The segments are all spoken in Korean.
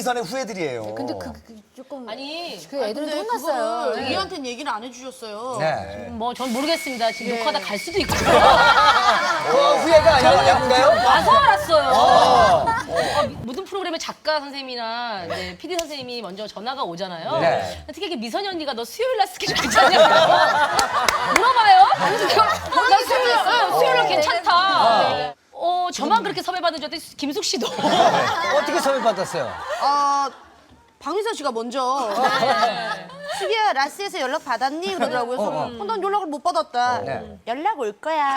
박미선의 후예들이에요. 근데 조금 아니, 그 애들은 근데 혼났어요. 그거를 이한테는 얘기를 안 해주셨어요. 네. 뭐 전 모르겠습니다. 지금 녹화하다 갈 수도 있고. 후예가 아닌가요? 와서 알았어요. 모든 프로그램의 작가 선생님이나 이제 PD 선생님이 먼저 전화가 오잖아요. 네. 특히 이렇게 미선이 언니가 너 수요일 날 스케줄 괜찮냐고 물어봐요. 나 수요일 날 괜찮다. 저만 그렇게 섭외받은 줄 알았더니 김숙 씨도. 어떻게 섭외 받았어요? 박미선 씨가 먼저 수기야 라스에서 연락 받았니? 그러더라고요. 그래서 난 연락을 못 받았다. 네. 연락 올 거야.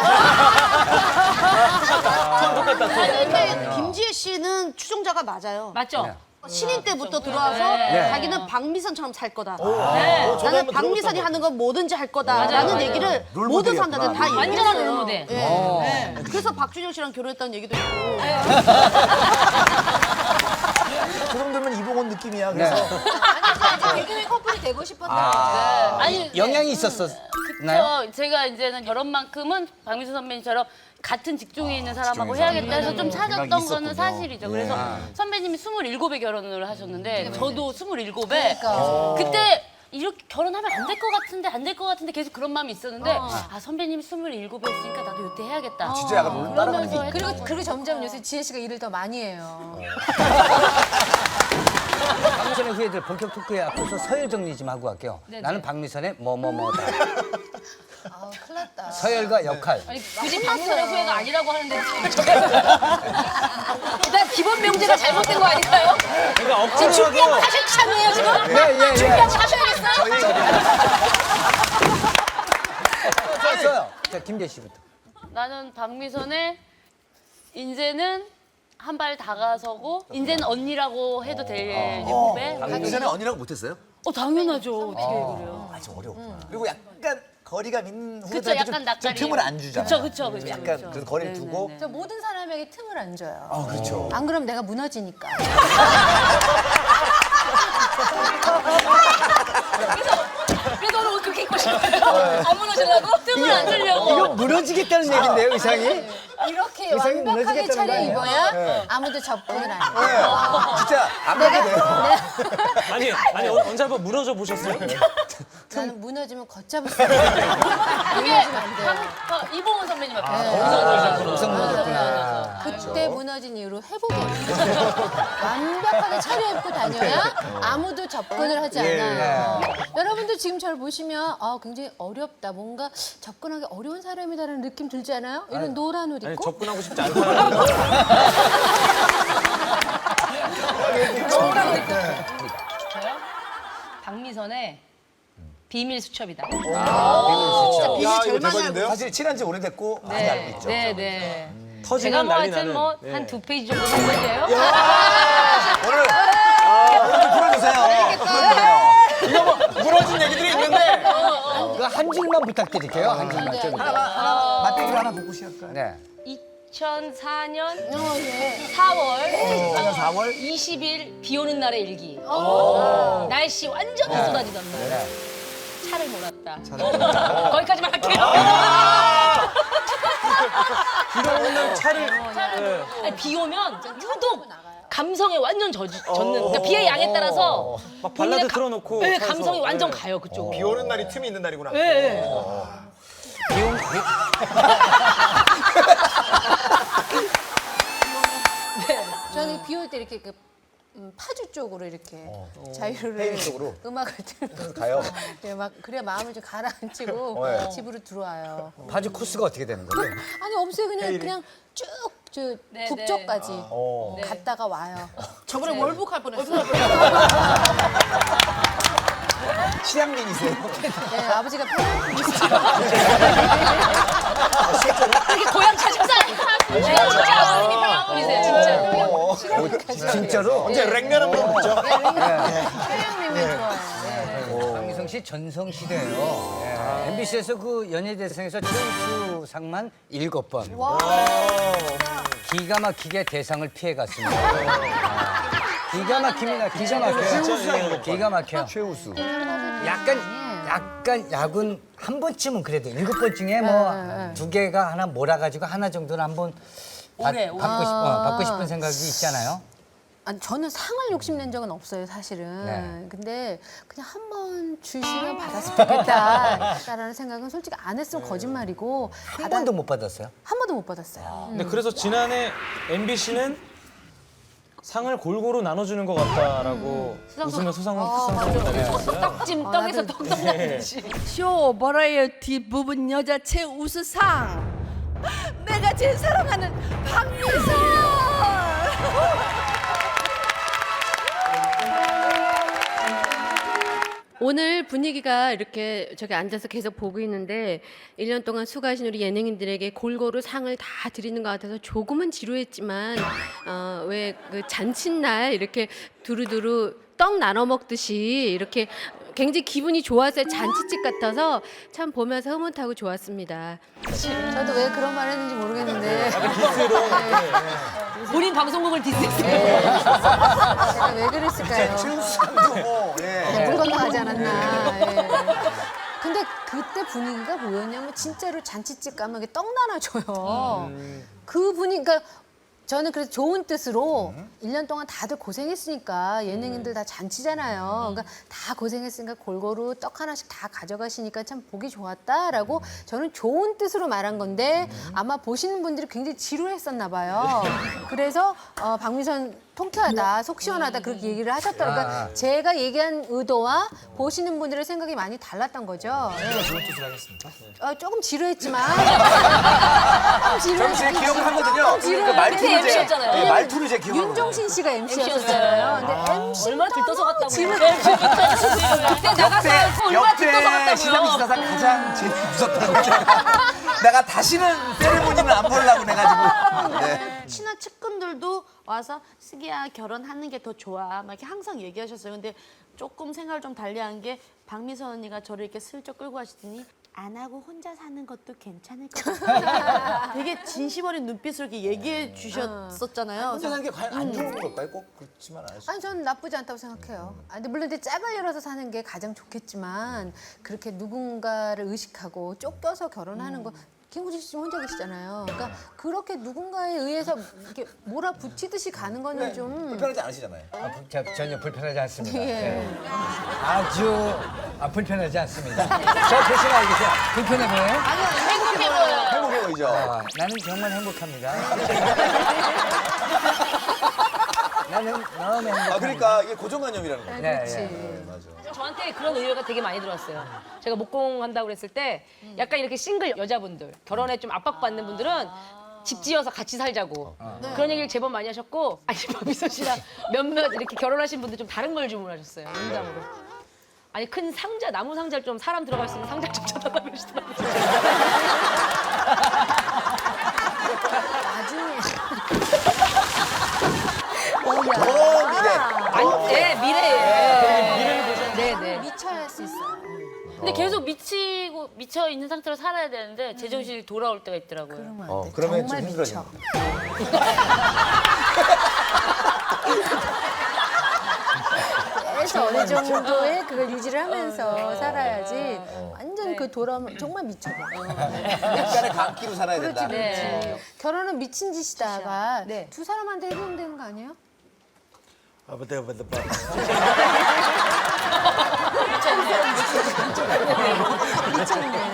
아니 근데 김지혜 씨는 추종자가 맞아요. 맞죠? 네. 신인 때부터 들어와서 네. 자기는 박미선처럼 살 거다. 네. 나는 박미선이 하는 건 뭐든지 할 거다라는 맞아요. 얘기를 롤모델이었구나. 모든 사람들한테 다 완전한 얘기했어요. 롤모델. 네. 그래서 박준영 씨랑 결혼했다는 얘기도 있고. 그 정도면 이봉원 느낌이야. 그래서 아니, 개그맨 커플이 되고 싶었다. 아니, 영향이 있었나요? 제가 이제는 결혼만큼은 박미선 선배님처럼 같은 직종에 있는 사람하고 해야겠다 해서 좀 찾았던 생각이 거는 있었군요. 사실이죠. 그래서 선배님이 27에 결혼을 하셨는데 저도 27에 그러니까. 그때 이렇게 결혼하면 안 될 것 같은데 안 될 것 같은데 계속 그런 마음이 있었는데 선배님이 27에 했으니까 나도 이때 해야겠다. 진짜 약간 롤 따라가는 게 있 그리고 점점 요새 지혜 씨가 일을 더 많이 해요. 박미선의 후예들 본격 토크에 앞서서 서열 정리 좀 하고 갈게요. 네네. 나는 박미선의 뭐뭐뭐다. 아, 큰일 났다. 서열과 역할. 아니, 굳이 박미선의 후회가 아니라고 하는데 일단 기본 명제가 잘못된 거 아닐까요? 그러니까 지금 준비한 거 억지로 하실 참이에요 지금? 예. 준비한 거 하셔야겠어요? 썼어요. 자, 김재 씨부터. 나는 박미선의 이제는 한 발 다가서고 이제는 언니라고 해도 될 후배. 그 전에 언니라고 못했어요? 당연하죠. 어떻게 그래요? 좀 어려웠구나. 그리고 약간 거리가 있는 그쵸, 후배들한테 약간 좀 낯가림. 틈을 안 주잖아요. 그쵸. 약간 그래서 거리를 두고. 저 모든 사람에게 틈을 안 줘요. 그렇죠. 안 그럼 내가 무너지니까. 그래서 오늘 옷 그렇게 입고 싶어요. 안 무너지려고? 뜸을 안 주려고. 이거 무너지겠다는 얘긴데요, 의상이? 이렇게 의상이 완벽하게 무너지겠다는 차려 거 입어야 아무도 접근을 안 해. 진짜 안 가게 돼요. 아니 언제 한번 무너져 보셨어요? 나는 무너지면 걷잡을 수 없어. 무너지면 안 돼. 이봉원 선배님 앞에. 우선 무너졌구나. 그때 무너진 이후로 회복이 없어요. 완벽하게 차려입고 다녀야 아무도 접근을 하지 않아요. 여러분들 지금 저를 보시면 굉장히 어렵다. 뭔가 접근하기 어려운 사람이다라는 느낌 들지 않아요? 이런 노란 옷 아니 입고? 접근하고 싶지 않다. 박미선의 비밀 수첩이다. 야, 이거 대박인데요? 사실 친한 지 오래됐고 많이 알고 있죠. 네. 제가 터지면 뭐 난리 하여튼 나는. 뭐 한 2페이지 정도 쓴 건데요. 오늘 좀 풀어주세요. 이거 뭐 무너진 얘기들이 있는데 그 한 줄만 부탁드릴게요. 한 줄만 좀. 맛배기로 하나 보고 시작할까요? 네. 2004년 예. 4월 4월 20일 비 오는 날의 일기. 날씨 완전히 쏟아지던 날. 차를 몰았다. 거기까지만 할게요. 비가 오는 차를 아니, 비 오면 유독 감성에 완전 젖는. 그러니까 비의 양에 따라서 막 본인의 발라드 틀어놓고 네, 차에서. 감성이 완전 네. 가요 그쪽으로. 비 오는 날이 틈이 있는 날이구나. 네. 저는 비 올 때 이렇게 파주 쪽으로 이렇게 자유를 쪽으로? 음악을 들고 가요. 네, 막 그래야 마음을 좀 가라앉히고 네. 집으로 들어와요. 바지 코스가 어떻게 되는 거예요? 아니 없어요. 그냥 쭉 저 네, 북쪽까지 네. 갔다가 와요. 저번에 월북할 뻔했어요. 취향민이세요? 네, 아버지가 편한 이렇게 고향 찾아서 진짜 아버님이 평양분이세요 진짜. 진짜로? 언제 랭면 한번 먹죠? 편향님이 좋아해요. 박미선 씨 전성시대예요. MBC에서 그 연예대상에서 최우수상만 7번. 기가 막히게 대상을 피해갔습니다. 기가 막힙니다. 기가 막혀요. 기가 막혀요. 최우수. 약간 야군 한 번쯤은 그래도 7번 중에 뭐 2개가 하나 몰아가지고 하나 정도는 한번 올해, 받고 싶은 생각이 있잖아요. 아니, 저는 상을 욕심낸 적은 없어요, 사실은. 네. 근데 그냥 한 번 주시면 받았으면 좋겠다라는 생각은 솔직히 안 했으면 거짓말이고 한 번도 못 받았어요? 한 번도 못 받았어요. 근데 그래서 지난해 MBC는 상을 골고루 나눠주는 것 같다라고 웃으며 수상을 당했었어요. 떡찜 떡에서 떡 먹듯이. 쇼 버라이어티 부분 여자 최우수상 내가 제일 사랑하는 박미선. 오늘 분위기가 이렇게 저기 앉아서 계속 보고 있는데 1년 동안 수고하신 우리 예능인들에게 골고루 상을 다 드리는 것 같아서 조금은 지루했지만 왜 그 잔칫날 이렇게 두루두루 떡 나눠 먹듯이 이렇게 굉장히 기분이 좋았어요. 잔치집 같아서 참 보면서 흐뭇하고 좋았습니다. 저도 왜 그런 말 했는지 모르겠는데 본인 방송국을 디스했어요. 제가 왜 그랬을까요? 최우수상도 뭐, 예. 물 건너가지 않았나. 예. 근데 그때 분위기가 뭐였냐면 진짜로 잔치집 가면 이렇게 떡 나눠줘요. 그 분위기, 그러니까 저는 그래서 좋은 뜻으로 1년 동안 다들 고생했으니까 예능인들 다 잔치잖아요. 그러니까 다 고생했으니까 골고루 떡 하나씩 다 가져가시니까 참 보기 좋았다라고 저는 좋은 뜻으로 말한 건데 아마 보시는 분들이 굉장히 지루했었나 봐요. 그래서 박미선 통쾌하다, 속 시원하다 그렇게 얘기를 하셨더라고요. 그러니까 제가 얘기한 의도와 보시는 분들의 생각이 많이 달랐던 거죠. 제가 좋은 뜻을 하겠습니다. 조금 지루했지만 저는 제 기억을 하거든요. 그 말투를 제, MC였잖아요. 네, 말투를 제 기억을 윤종신 씨가 MC였어요. 근데 MC 얼마나 들떠서 갔다고요. 그때 역대 나가서 얼마나 들떠서 역대 시상 갔다고요. 기사상 가장 제일 무섭다는 거 내가 다시는 세레모니는 안 보려고 해가지고. 네. 친한 측근들도 와서 슬기야 결혼하는 게 더 좋아 막 이렇게 항상 얘기하셨어요. 근데 조금 생각을 좀 달리한 게 박미선 언니가 저를 이렇게 슬쩍 끌고 가시더니 안 하고 혼자 사는 것도 괜찮을 것 같아요. 되게 진심 어린 눈빛으로 이렇게 얘기해 주셨었잖아요. 혼자 사는 게 과연 안 좋은 걸까요? 꼭 그렇지만 않으시죠. 아니 저는 나쁘지 않다고 생각해요. 근데 물론 이제 짝을 열어서 사는 게 가장 좋겠지만 그렇게 누군가를 의식하고 쫓겨서 결혼하는 거 김구진 씨 지금 혼자 계시잖아요. 그러니까 그렇게 누군가에 의해서 이렇게 몰아붙이듯이 가는 거는 좀 불편하지 않으시잖아요. 전혀 불편하지 않습니다. 예. 예. 아주 불편하지 않습니다. 저 대신 알겠어요. 불편해 보여요? 행복해 보여요. 행복해 보이죠? 나는 정말 행복합니다. 나는 너무 행복합니다. 아, 그러니까 이게 고정관념이라는 거예요. 네, 그렇지. 예. 저한테 그런 의뢰가 되게 많이 들어왔어요. 제가 목공한다고 그랬을 때 약간 이렇게 싱글 여자분들, 결혼에 좀 압박받는 분들은 집 지어서 같이 살자고 그런 얘기를 제법 많이 하셨고 아니 박미선 씨랑 몇몇 이렇게 결혼하신 분들 좀 다른 걸 주문하셨어요. 농담으로. 아니 큰 상자, 나무 상자를 좀 사람 들어갈 수 있는 상자 좀 쳐달라고 그러시더라고요. 나중에 네, 미래예요. 네. 미쳐야 할 수 있어요. 근데 계속 미쳐 있는 상태로 살아야 되는데 제정신이 돌아올 때가 있더라고요. 그러면 안 돼. 그러면 정말 좀 미쳐. 힘들어지는 그래서 어느 정도의 그걸 유지를 하면서 살아야지 완전 그 돌아오면 정말 미쳐버려. 약간의 감기로 살아야 그렇지, 된다. 그렇지. 결혼은 미친 짓이다가 네. 두 사람한테 해보면 되는 거 아니에요? 미쳤네.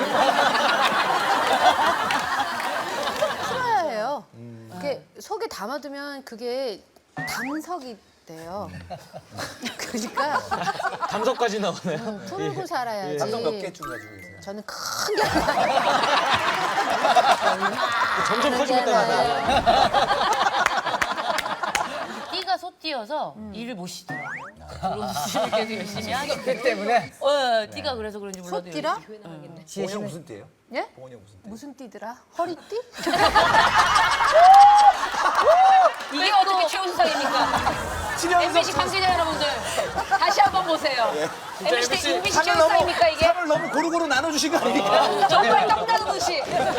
풀어야 해요. 이렇게 속에 담아두면 그게 담석이 돼요. 그러니까 담석까지 나오네요. 풀고 살아야지. 감성 몇 개쯤 가지고 계세요? 저는 큰 게. 점점 커지고 있다는 띠가 소띠여서 일을 못 쉬더라고요. 결혼을 계속 열심히 하니까. 그 때문에 띠가 그래서 그런지 몰라도 소띠라? 열심히 나가겠네. 봉원이 무슨 띠예요? 예? 봉원이 무슨 띠? 무슨 띠더라? 허리띠? 이게 어떻게 최우수상입니까? MBC 관계자 여러분들 다시 한번 보세요. MBC 최우수상입니까 이게? 상을 너무 고루고루 나눠주신 거 아닙니까? 정말 떡 나누듯이.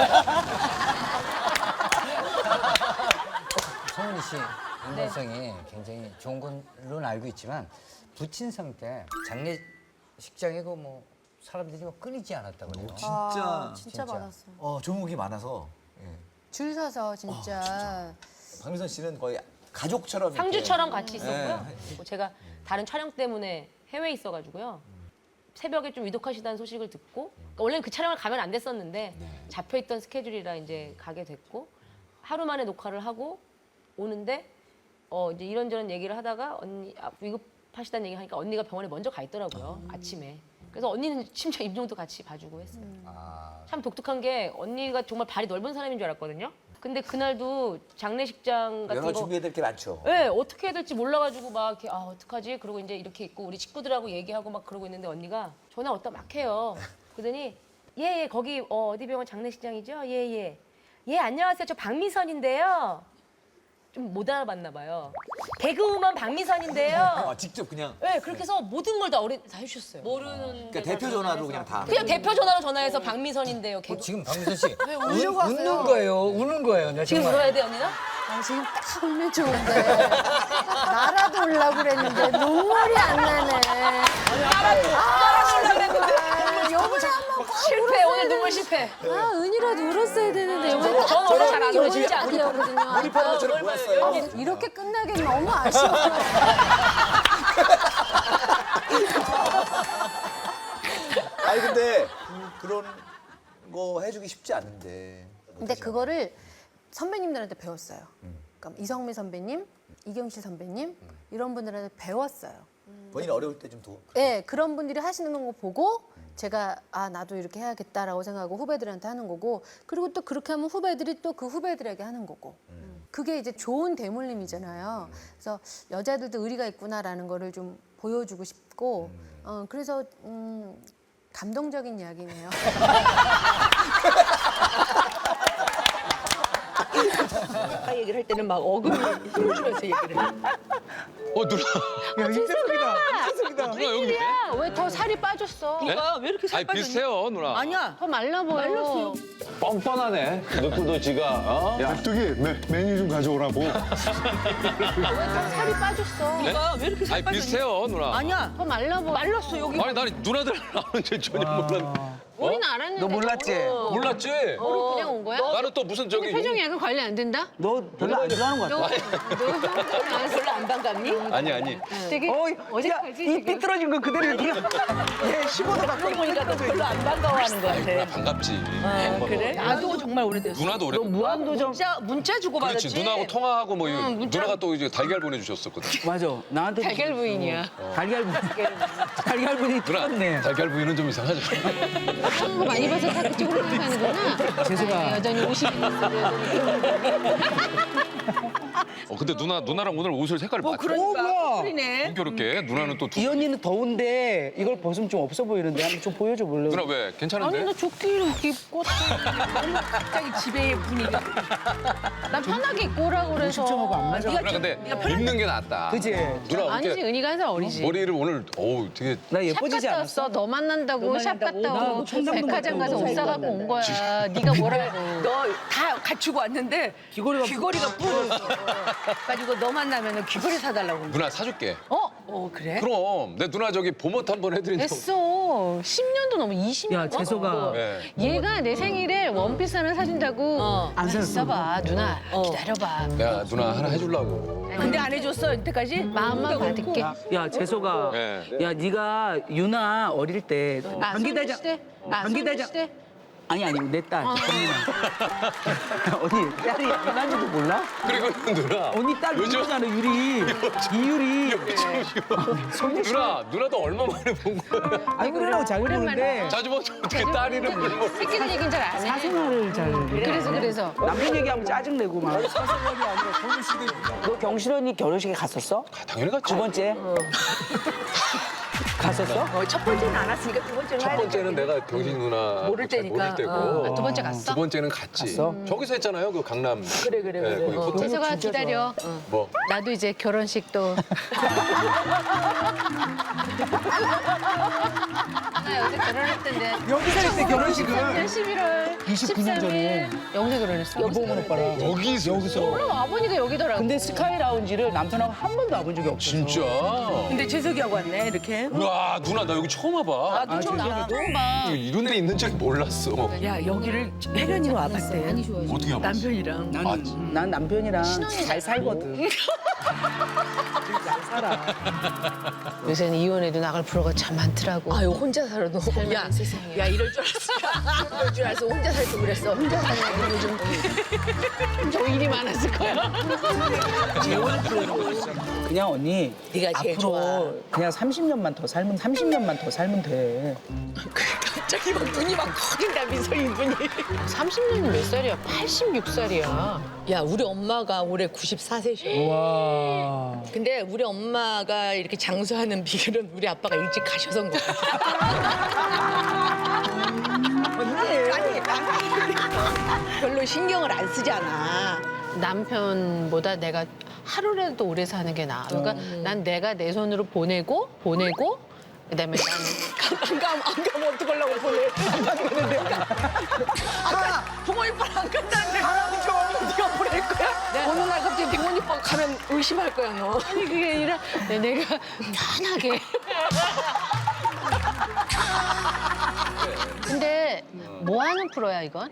송은이 씨 인간성이 굉장히 좋은 걸로는 알고 있지만 부친상 때 장례식장이고 뭐 사람들이 뭐 끊이지 않았다고 그래요. 진짜 많았어요. 종목이 많아서. 예. 줄 서서 진짜. 박미선 씨는 거의 가족처럼 이렇게. 상주처럼 같이 있었고요. 그리고 제가 다른 촬영 때문에 해외에 있어가지고요. 새벽에 좀 위독하시다는 소식을 듣고 그러니까 원래는 그 촬영을 가면 안 됐었는데 잡혀있던 스케줄이라 이제 가게 됐고 하루 만에 녹화를 하고 오는데 이제 이런저런 얘기를 하다가 언니 위급하시다는 얘기 하니까 언니가 병원에 먼저 가 있더라고요. 아침에. 그래서 언니는 심지어 임종도 같이 봐주고 했어요. 참 독특한 게 언니가 정말 발이 넓은 사람인 줄 알았거든요. 근데 그날도 장례식장 같은 여러 거 준비해야 될 게 많죠. 네, 어떻게 해야 될지 몰라가지고 막 이렇게 어떡하지? 그러고 이제 이렇게 있고 우리 친구들하고 얘기하고 막 그러고 있는데 언니가 전화 왔다 막 해요. 그러더니 예, 거기 어디 병원 장례식장이죠? 예. 예, 안녕하세요. 저 박미선인데요. 좀 못 알아봤나 봐요. 개그우먼 박미선인데요. 직접 그냥. 네, 그렇게 해서 모든 걸 다 해주셨어요. 그러니까 대표 전화로 그냥 다. 그냥 대표 전화로 전화해서 박미선인데요. 개그... 지금 박미선 씨 웃는 거예요. 우는 거예요. 나 지금 정말. 울어야 돼, 언니는? 지금 딱 울면 좋은데 나라도 울라고 그랬는데 눈물이 안 나네. 나라도 울라고 여보세요 한번 실패, 오늘 눈물 실패. 은이라도 울었어야 되는데 여보세요. 저는 원래 잘 안 울어, 진짜 안 울어. 울거든요. 몰입하는 것처럼 보였어요. 이렇게 끝나긴 너무 아쉬워. 아니 근데 그런 거 해주기 쉽지 않은데. 근데 그거를 선배님들한테 배웠어요. 그러니까 이성미 선배님, 이경실 선배님 이런 분들한테 배웠어요. 본인 어려울 때 좀 더. 네, 그런 분들이 하시는 거 보고 제가 나도 이렇게 해야겠다라고 생각하고 후배들한테 하는 거고 그리고 또 그렇게 하면 후배들이 또 그 후배들에게 하는 거고 그게 이제 좋은 대물림이잖아요. 그래서 여자들도 의리가 있구나라는 거를 좀 보여주고 싶고 그래서 감동적인 이야기네요. 아까 얘기를 할 때는 막 어금니 힘주면서 얘기를 해. 누나. 야, 인재석이다. 누나 여기 왜? 왜 더 살이 빠졌어? 누가 왜 이렇게 살 아니 빠졌니? 비슷해요 누나. 아니야. 더 말라 보여. 말랐어요. 뻔뻔하네. 너 지가 어? 깍두기 메뉴 좀 가져오라고. 왜 더 살이 빠졌어? 누가 왜 이렇게 살 아니 빠졌니? 비슷해요 누나. 아니야. 더 말라 보여. 말랐어 여기. 아니 나는 누나들 아는지 전혀 몰랐네. 우리는 알았는데. 너 몰랐지? 몰랐지? 우리 그냥 온 거야? 나는 또 무슨 저기 표정이 약간 관리 안 된다? 너 별로 안 좋아하는 거 같아. 별로 안 반갑니? 아니. 되게 어색하지 이 삐뚤어진 거 그대로 얘기해. 얘 15도 가까이 보니까 너 별로 안 반가워하는 거 같아. 반갑지. 그래? 나도 정말 오래됐어. 누나도 오래. 무한도전. 문자 주고 받았지. 그렇지 누나하고 통화하고 뭐 이거 누나가 또 이제 달걀 보내주셨었거든. 맞아. 나한테 달걀 부인이야. 달걀분이 누나 달걀 부위는 좀 이상하죠. 한거 많이 봐서 다 그쪽으로 생각하는구나. 재수가. 여전히 50이 근데 누나랑 오늘 옷을 색깔이 맞춰. 그러니까. 그러네. 공교롭게 누나는 또 이 언니는 더운데 이걸 벗으면 좀 없어 보이는데 한번 좀 보여줘 볼래? 누나 왜 괜찮은데? 아니 나 조끼를 이렇게 입고 갑자기 집의 분위기가. 난 편하게 입고 오라고 그래서. 시청하고 안 맞아. 누나 근데 입는 게 낫다. 그치? 누나 아니지 이렇게 은희가 한 살 어리지. 머리를 오늘 어우 되게 나 샵 예뻐지지 갔다 않았어? 왔어. 너 만난다고 샵 갔다 오고 백화점 가서 옷 사갖고 온 거야. 네가 뭐라고. 너 다 갖추고 왔는데 귀걸이가 뿌. 가지고 너 만나면 귀걸이 사달라고. 누나 사줄게. 그래? 그럼 내 누나 저기 봄옷 한번 해드린 적. 했어. 10년도 넘어 20년. 야 재석아. 네. 얘가 내 생일에 원피스 하나 사준다고. 안 샀어. 있어봐 누나. 기다려봐. 내가 누나 하나 해주려고. 근데 안 해줬어 이때까지? 마음만 받을게. 야 재석아. 네. 야 네가 유나 어릴 때 방귀대장. 방귀대장. 시대? 아니 내 딸. 언니나. 언니 딸이 유나인지도 몰라? 그리고 누나. 언니 딸 요즘- 유리잖아 유리. 이유리. 누나도 얼마 만에 본 거야. 아니 그러라고 잘 보는데 자주 보면 어떻게 딸 이름을 모르. 새끼들 얘기는 잘 안 해. 사생활을 잘. 그래서. 남편 얘기하면 짜증내고 막. 너 경실 언니 결혼식에 갔었어? 당연히 갔지. 두 번째? 갔었어? 첫 번째는 안 왔으니까 두 번째는 첫 번째는 내가 경신 누나 모를 잘 때니까. 모를 때고. 두 번째 갔어? 두 번째는 갔지. 갔어? 저기서 했잖아요. 그 강남. 그래. 거기 호텔. 재석아 기다려. 뭐. 나도 이제 결혼식도. 나 여기서 결혼했던데. 여기서 했대 결혼식은. 11월 29년 전에. 여기서 결혼했어. 여봉은 오빠랑. 여기서. 그럼 아버니가 여기더라고. 근데 스카이 라운지를 남편하고 한 번도 와본 적이 없어. 진짜. 근데 재석이하고 왔네 이렇게. 우와 누나 나 여기 처음 와봐. 나도 좀 나. 처음 봐. 이런 데 있는 줄 몰랐어. 야 여기를 혜련이로 와봤대. 많이 좋아해. 어떻게 와봤어? 남편이랑. 난 남편이랑 잘 살거든. 요새는 이혼해도 나갈 프로가 참 많더라고. 아유 혼자 살아도 야, 야 이럴 줄 알았어. 이럴 줄 알았어. 혼자 살 걸 그랬어. 혼자 살려고 요즘 좀 일이 많았을 거야. 그냥 언니 네가 제일 앞으로 좋아. 그냥 30년만 더 살면 돼. 갑자기 막 눈이 막 커진다 미소인 분이. 30년이 몇 살이야? 86살이야. 야 우리 엄마가 올해 94세셔. 와. 근데 우리 엄마가 이렇게 장수하는 비결은 우리 아빠가 일찍 가셔서인 거야. 아니 별로 신경을 안 쓰잖아. 남편보다 내가 하루라도 오래 사는 게 나아. 그러니까 난 내가 내 손으로 보내고 그다음에 난 안 가면 어떡하려고 보내. 안 가면 내가 부모님 안 간다는데 네가 보낼 거야? 어느 날 갑자기 부모님 방 가면 의심할 거야 너. 아니 그게 아니라 내가 편하게. 근데 뭐 하는 프로야 이건?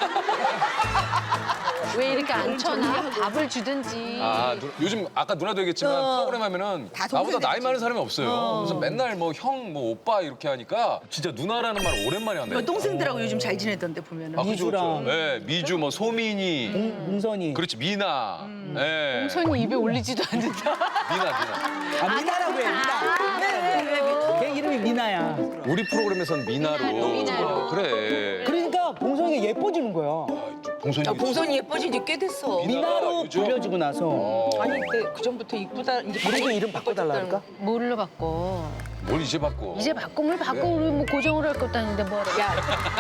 왜 이렇게 앉혀놔? 밥을 주든지. 아, 요즘 아까 누나도 얘기했지만 프로그램 하면은 나보다 나이 많은 사람이 없어요. 그래서 맨날 뭐 형, 뭐 오빠 이렇게 하니까 진짜 누나라는 말 오랜만에 한다. 동생들하고 요즘 잘 지내던데 보면은. 아, 그죠, 미주랑. 그죠. 네, 미주, 뭐 소민이, 문선이. 그렇지 미나, 네. 손이 입에 올리지도 않는다. 미나. 아, 미나라고 해, 미나. 내 이름이 미나야. 우리 프로그램에선 미나로. 그래. 그러니까 봉선이가 예뻐지는 거야. 봉선이. 봉선이 예뻐진 지 꽤 됐어. 미나로 요즘? 불려지고 나서. 아니 근데 그 전부터 이쁘다 이제 우리도 이름 바꿔달라니까? 뭘로 바꿔? 뭘 이제 바꿔? 이제 바꿈을 바꿔 우리 뭐 고정을 할 것도 아닌데 뭐하러. 야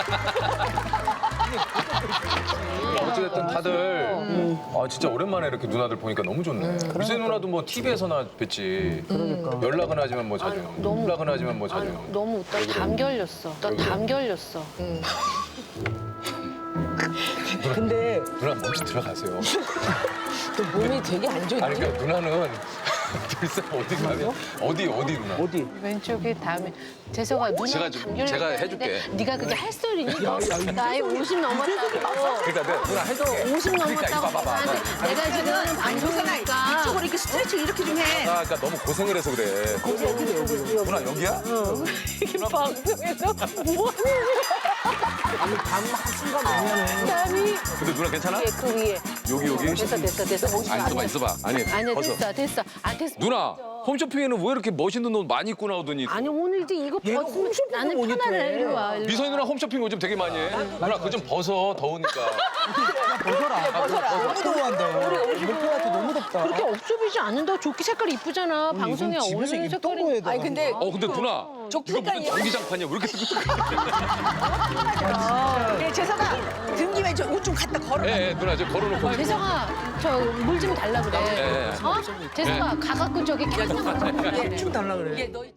어쨌든 다들 진짜 오랜만에 이렇게 누나들 보니까 너무 좋네. 미세 누나도 뭐 TV에서나 뵀지. 그러니까. 연락은 하지만 뭐 자주. 연락은 하지만 뭐 자주. 너무 나 감기 걸렸어. 나 감기 걸렸어. 근데 누나 먼저 들어가세요. 몸이 되게 안 좋네. 아니 그러니까 누나는 글쎄 어디 가면 어디 누나? 어디? 왼쪽에 다음에 재석아 누나 제가 감기 걸렸다 제가 했는데 해줄게. 네가 그게 할 소리니? 나이 50 넘었다고. 그러니까 내가 누나 해줄게. 50 그러니까 이거 넘었다고 봐봐. 나한테 내가 지금 방송이니까 이쪽으로 이렇게 스트레칭 이렇게 좀 해. 그러니까 너무 고생을 해서 그래. 누나 여기야? 방송에서 뭐 아니, 밤 한순간 오면은. 남이 근데 누나 괜찮아? 그 위에 여기. 됐어. 아니 있어봐. 아니 아니야 벗어. 됐어. 아 됐어. 누나 홈쇼핑에는 왜 이렇게 멋있는 옷 많이 입고 나오더니? 아니 오늘 이제 이거 벗으면 나는 편안해. 이리 와. 일로 와. 미선이 누나 홈쇼핑 요즘 되게 많이 해. 누나 그거 좀 벗어 더우니까. 너무 더워한다. 목표한테 너무 덥다. 그렇게 업소비지 않는다. 조끼 색깔 이쁘잖아. 방송에 이건 집에서 어울리는 입던 색깔이. 거에다가. 아니 근데 근데 누나 이거 무슨 전기장판이야? 왜 이렇게 뜨끈뜨끈해? 네, 재석아 등 김에 저 옷 좀 갖다 걸어. 예, 누나 저 걸어놓고. 재석아 저 물 좀 달라 그래. 예. 어? 재석아 가갖고 저기 캔 좀. 좀 달라 그래. 너